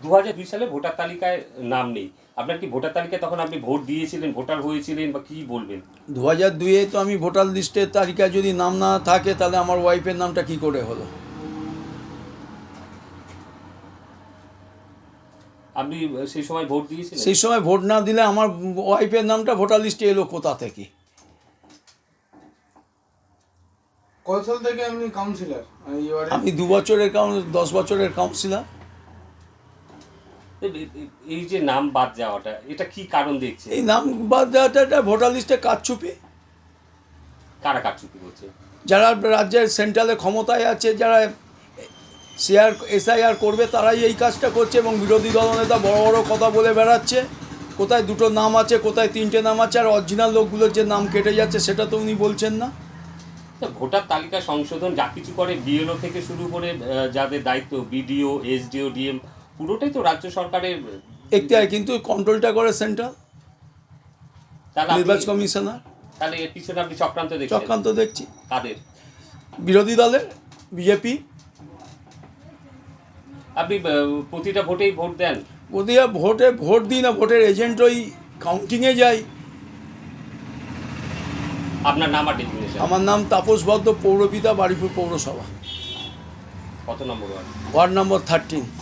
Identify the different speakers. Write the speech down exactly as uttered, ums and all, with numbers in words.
Speaker 1: দু হাজার দুই সালে ভোটার তালিকায় নাম নেই, আপনার কি ভোটার তালিকায় তখন আপনি ভোট দিয়েছিলেন, ভোটার হয়েছিলেন বা কি বলবেন?
Speaker 2: দু হাজার দুইয়ে তো আমি ভোটার লিস্টের তালিকায় যদি নাম না থাকে তাহলে আমার ওয়াইফের নামটা কি করে হলো?
Speaker 1: আপনি সেই সময় ভোট দিয়েছিলেন?
Speaker 2: সেই সময় ভোট না দিলে আমার ওয়াইফের নামটা ভোটার লিস্টে এলো কোথা থেকে?
Speaker 3: কত সাল থেকে আপনি কাউন্সিলর?
Speaker 2: আমি দু বছরের কাউন্স দশ বছরের কাউন্সিলর।
Speaker 1: এই যে নাম বাদ যাওয়াটা, এটা কি কারণ দেখছে?
Speaker 2: এই নাম বাদ দেওয়াটা ভোটার লিস্টে কারচুপি।
Speaker 1: কারা কারচুপি করছে?
Speaker 2: যারা রাজ্যের সেন্ট্রালে ক্ষমতায় আছে, যারা শেয়ার এসআইআর করবে, তারাই এই কাজটা করছে। এবং বিরোধী দলনেতা বড় বড় কথা বলে বেড়াচ্ছে, কোথায় দুটো নাম আছে, কোথায় তিনটে নাম আছে, আর অরিজিনাল লোকগুলোর যে নাম কেটে যাচ্ছে সেটা তো উনি বলছেন না।
Speaker 1: ভোটার তালিকা সংশোধন যা কিছু করে বিএলও থেকে শুরু করে যাদের দায়িত্ব, বিডিও, এসডিও, ডিএম, পুরোটাই তো রাজ্য সরকারের
Speaker 2: এখতিয়ার, কিন্তু কন্ট্রোলটা করে সেন্ট্রাল নির্বাচন কমিশনার।
Speaker 1: তাহলে এর পিছনে আপনি চক্রান্ত দেখছেন?
Speaker 2: চক্রান্ত দেখছি।
Speaker 1: কাদের?
Speaker 2: বিরোধী দলের, বিজেপি।
Speaker 1: আপনি প্রতিটা ভোটেই ভোট দেন?
Speaker 2: প্রতিটা ভোটে ভোট দিই না, ভোটের এজেন্ট ওই কাউন্টিংয়ে যাই।
Speaker 1: আপনার নাম আর ডেজিগনেশন?
Speaker 2: আমার নাম তাপস ভদ্র, পৌরপিতা, বারুইপুর পৌরসভা।
Speaker 1: কত number ward?
Speaker 2: Ward number thirteen.